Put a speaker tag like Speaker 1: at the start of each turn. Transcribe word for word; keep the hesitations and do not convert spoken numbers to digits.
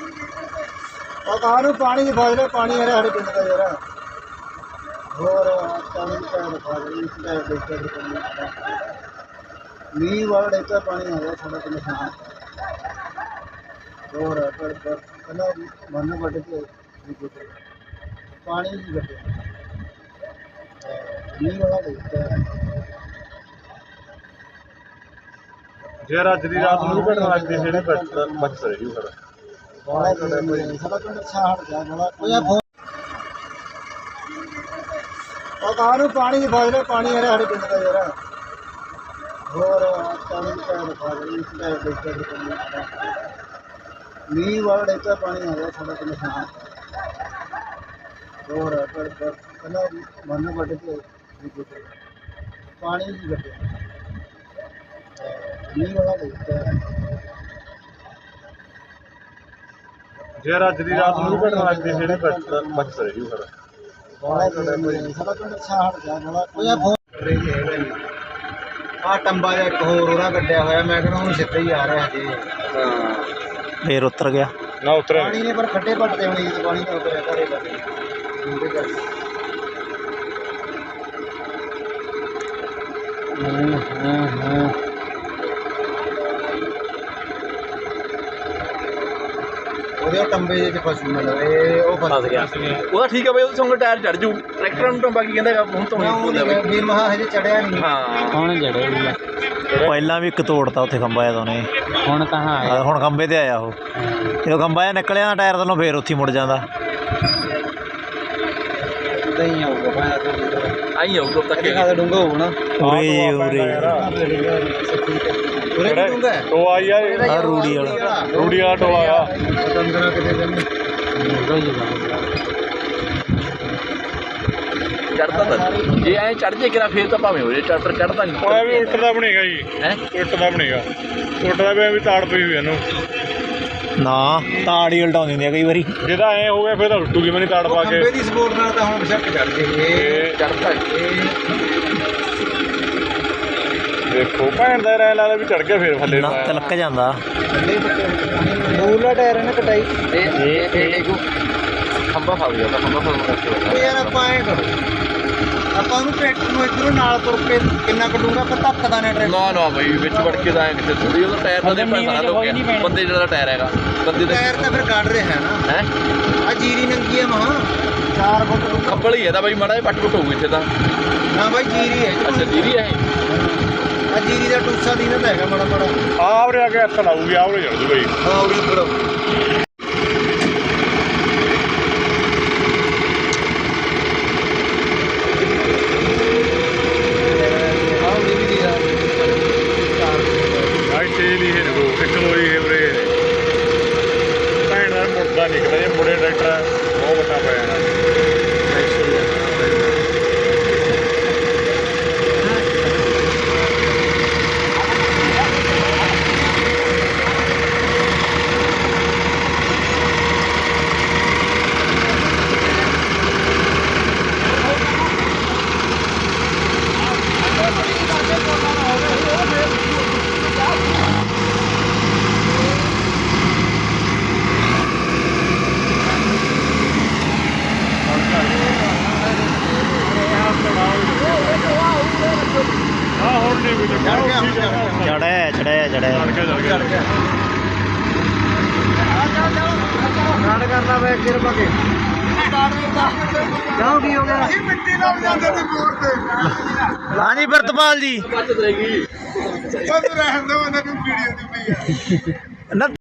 Speaker 1: ਕਾਹਨੂੰ ਪਾਣੀ ਦੀ ਫਾਜ਼ਲੇ ਪਾਣੀ ਆ ਰਿਹਾ ਸਾਡੇ ਪਿੰਡ ਦਾ ਯਾਰ ਹੋਰ ਪਾਣੀ ਦੀ ਪੈਰ ਰਖਾ ਲਈ ਇਸ ਦਾ ਦੇਖਿਆ ਮੀਂਹ ਵਾਲਾ ਡੇਕਾ ਪਾਣੀ ਆ ਗਿਆ ਸਾਡਾ ਪਿੰਡ ਦਾ ਹੋਰ ਪਰ ਪਹਿਲਾਂ ਮਨ ਵੱਢ ਕੇ ਪਾਣੀ ਨਹੀਂ ਵੱਢਿਆ ਮੀਂਹ ਵਾਲਾ ਡੇਕਾ
Speaker 2: ਜੇ ਅੱਜ ਦੀ ਰਾਤ ਨੂੰ ਘਟਨਾ ਲੱਗਦੀ ਜਿਹੜੇ ਬਚ ਰਹੀ ਫਿਰ
Speaker 1: ਸਾਡਾ ਪਿੰਡ ਛਾੜ ਗਿਆ ਬੜਾ ਕੋਈ ਕਾਹਨੂੰ ਪਾਣੀ ਦੀ ਫਾਜ਼ਲੇ ਪਾਣੀ ਆ ਰਿਹਾ ਸਾਡੇ ਪਿੰਡ ਦਾ ਯਾਰ ਹੋਰ ਪਾਣੀ ਦੀ ਪੈਰ ਰਖਾ ਲਈ ਇਸ ਦਾ ਦੇਖਿਆ ਮੀਂਹ ਵਾਲਾ ਡੇਕਾ ਪਾਣੀ ਆ ਗਿਆ ਸਾਡਾ ਪਿੰਡ ਦਾ ਹੋਰ ਪਰ ਪਹਿਲਾਂ ਮਨ ਵੱਢ ਕੇ ਪਾਣੀ ਨਹੀਂ ਵੱਢਿਆ ਮੀਂਹ ਵਾਲਾ ਡੇਕਾ
Speaker 2: ਜੇ ਅੱਜ ਦੀ ਰਾਤ ਨੂੰ ਘਟਨਾ ਲੱਗਦੀ ਜਿਹੜੇ ਬਚ ਰਹੀ ਫਿਰ
Speaker 1: ਸਾਡਾ ਪਿੰਡ ਛਾੜ ਗਿਆ ਬੜਾ ਕੋਈ ਆ ਟੰਬਾ ਜਿਹਾ ਇੱਕ ਹੋਰ ਉਹਦਾ ਕੱਢਿਆ ਹੋਇਆ ਮੈਂ ਕਹਿੰਦਾ ਹੁਣ ਸਿੱਧਾ ਹੀ ਆ ਰਿਹਾ ਜੀ
Speaker 2: ਹਾਂ
Speaker 3: ਫੇਰ ਉਤਰ ਗਿਆ
Speaker 2: ਨਾ ਉਤਰਿਆ
Speaker 1: ਪਾਣੀ ਨੇ ਪਰ ਖੱਡੇ ਪੱਟਦੇ ਹੋਣੇ ਜੀ ਪਾਣੀ ਤਾਂ ਉਤਰਿਆ ਘਰੇ ਲੱਗੇ ਹਾਂ ਹਾਂ ਉਹਦੇ ਟੰਬੇ ਜਿਹੇ ਚ ਫਸੂ ਮਿਲ ਰਹੇ ਉਹ ਫਸ ਗਿਆ
Speaker 3: ਉਹਦਾ ਠੀਕ ਹੈ ਬਈ ਉਹਦੇ ਸੰਗ ਟਾਇਰ ਚੜ ਜੂ ਟਰੈਕਟਰ ਨੂੰ ਟੰਬਾ ਕੀ ਕਹਿੰਦਾ ਹੁਣ ਤੋਂ
Speaker 1: ਵੀ ਮਹਾ ਹਜੇ ਚੜਿਆ ਨਹੀਂ
Speaker 3: ਹਾਂ
Speaker 4: ਹੁਣ ਜੜੇ ਵੀ ਆ
Speaker 3: ਪਹਿਲਾਂ ਵੀ ਇੱਕ ਤੋੜਤਾ ਉੱਥੇ ਖੰਭਾ ਆ ਉਹਨੇ
Speaker 4: ਹੁਣ ਕਹਾਂ ਆਇਆ
Speaker 3: ਹੁਣ ਖੰਭੇ ਤੇ ਆਇਆ ਉਹ ਜਦੋਂ ਖੰਭਾ ਆ ਨਿਕਲਿਆ ਨਾ ਟਾਇਰ ਤੋਂ ਫੇਰ ਉੱਥੇ ਮੁੜ ਜਾਂਦਾ
Speaker 1: ਨਹੀਂ ਆਊਗਾ
Speaker 3: ਆਈ ਆਊਗਾ ਤੱਕ
Speaker 1: ਖਾਦਾ ਡੂੰਗਾ ਹੋਊ ਨਾ
Speaker 3: ਉਰੇ ਉਰੇ
Speaker 1: ਉਰੇ ਵੀ ਡੂੰਗਾ
Speaker 2: ਟੋਆ ਯਾਰ
Speaker 3: ਆ ਰੂੜੀ ਵਾਲਾ
Speaker 2: ਰੂੜੀ ਵਾਲਾ ਟੋਆ ਆ
Speaker 1: ਦੰਦਰਾ ਕਿਤੇ ਦਿਨ
Speaker 3: ਚੜਦਾ ਤਾਂ ਜੇ ਐ ਚੜ ਜੇ ਕਿਰਾ ਫੇਰ ਤਾਂ ਭਾਵੇਂ ਹੋ ਜੇ ਟਰੈਕਟਰ ਚੜਦਾ ਨਹੀਂ
Speaker 2: ਉਹ ਵੀ ਉਲਟਦਾ ਬਣੇਗਾ ਜੀ
Speaker 3: ਹੈ
Speaker 2: ਉਲਟਦਾ ਬਣੇਗਾ ਉਲਟਦਾ ਵੀ ਤਾੜ ਪਈ ਹੋਈ ਇਹਨੂੰ
Speaker 3: ਨਾ ਤਾੜ ਹੀ ਉਲਟਾਉਂਦੀ ਹੁੰਦੀ ਆ ਕਈ ਵਾਰੀ
Speaker 2: ਜਿਹਦਾ ਐ ਹੋ ਗਿਆ ਫਿਰ ਤਾਂ ਉਲਟੂਗੀ ਮੈਂ ਨਹੀਂ ਤਾੜ ਪਾ ਕੇ
Speaker 1: ਖੰਬੇ ਦੀ ਸਪੋਰਟ ਨਾਲ ਤਾਂ ਹੁਣ ਬਸ਼ੱਕ ਚੜ ਜੇ ਇਹ
Speaker 3: ਚੜਦਾ
Speaker 2: ਦੇਖੋ ਭੈਣ ਦਾ ਰਹਿ ਲੱਗਦਾ ਵੀ ਚੜ ਗਿਆ ਫਿਰ ਥੱਲੇ
Speaker 3: ਨਾ ਤਿਲਕ ਜਾਂਦਾ
Speaker 1: ਮੂਰਲਾ ਟਾਇਰ ਇਹਨੇ ਕਟਾਈ
Speaker 3: ਇਹ ਇਹ ਇਹ ਖੰਭਾ ਫਸ ਗਿਆ ਤਾਂ ਖੰਭਾ ਫਸ
Speaker 1: ਉਹ ਯਾਰ ਆਪਾਂ ਐ ਕਰੋ ਆਪਾਂ ਉਹਨੂੰ ਟਰੈਕਟਰ ਨੂੰ ਇੱਧਰੋਂ ਨਾਲ ਤੁਰ ਕੇ ਕਿੰਨਾ ਕੱਢੂਗਾ ਆਪਾਂ ਧੱਕਦਾ ਨੇ ਟਰੈਕਟਰ
Speaker 3: ਨਾ ਨਾ ਬਈ ਵਿੱਚ ਵੜ ਕੇ ਤਾਂ ਐ ਕਿਤੇ ਥੋੜੀ ਉਹਦਾ ਟਾਇਰ ਨਾਲ ਦੇ ਸਾਰਾ ਹੋ ਗਿਆ ਬੰਦੇ ਜਿਹੜਾ ਟਾਇਰ ਹੈਗਾ ਬੰਦੇ ਦਾ
Speaker 1: ਟਾਇਰ ਤਾਂ ਫਿਰ ਕੱਢ ਰਿਹਾ ਹੈ ਨਾ
Speaker 3: ਹੈ
Speaker 1: ਆ ਜੀਰੀ ਨੰਗੀ ਹੈ ਮਹਾ ਚਾਰ ਫੁੱਟ ਡੂੰਘਾ।
Speaker 3: ਖੱਬਲ ਹੀ ਹੈ ਤਾਂ ਬਈ ਮਾੜਾ ਜਿਹਾ ਪੱਟ ਪੁੱਟ ਹੋਊ ਇੱਥੇ ਤਾਂ
Speaker 1: ਨਾ ਬਾਈ ਜੀਰੀ ਹੈ
Speaker 3: ਅੱਛਾ ਜੀਰੀ ਹੈ
Speaker 1: ਆ ਜੀਰੀ ਦਾ ਟੂਸਾ ਦੀ ਨਾ ਤਾਂ ਹੈਗਾ ਮਾੜਾ ਮਾੜਾ
Speaker 2: ਆਵਰੇ ਆ ਕੇ ਹੱਥ ਲਾਊਗੀ ਆਵਰੇ ਚੜ ਜੂ ਬਈ
Speaker 1: ਹਾਂ ਉਹਦੇ ਉੱਪਰ
Speaker 2: ਆਈ ਤੇਲ ਹੀ ਹੈ ਨਗੋ ਇੱਕ ਲੋਈ ਹੈ ਉਰੇ ਭੈਣ ਦਾ ਮੁੱਦਾ ਨਿਕਲਿਆ ਜੇ ਮੁੜੇ ਟਰੈਕਟਰ ਬਹੁਤ ਵੱਡਾ ਪਿਆ ਜਾਣਾ ਆਹ ਹੁਣ ਨਹੀਂ ਵੀ
Speaker 1: ਚੜ ਗਿਆ ਹੁਣ
Speaker 3: ਚੜਿਆ ਚੜਿਆ ਚੜਿਆ
Speaker 2: ਚੜ ਗਿਆ ਚੜ ਗਿਆ
Speaker 1: ਰਾੜ ਕਰਦਾ ਵੇ ਅੱਗੇ ਰਪਾ ਕੇ ਕਿਉਂ ਕੀ ਹੋ ਗਿਆ ਮਿੱਟੀ ਨਾਲ ਜਾਂਦੇ ਤੇ ਮੋੜ ਤੇ
Speaker 3: ਹਾਂਜੀ ਪ੍ਰਿਤਪਾਲ ਜੀ
Speaker 1: ਬਚਤ ਰਹੇਗੀ ਉਹ ਰਹਿਣ ਦੋ ਉਹਨਾਂ ਨੂੰ ਵੀਡੀਓ ਦੀ ਪਈ
Speaker 3: ਨਾ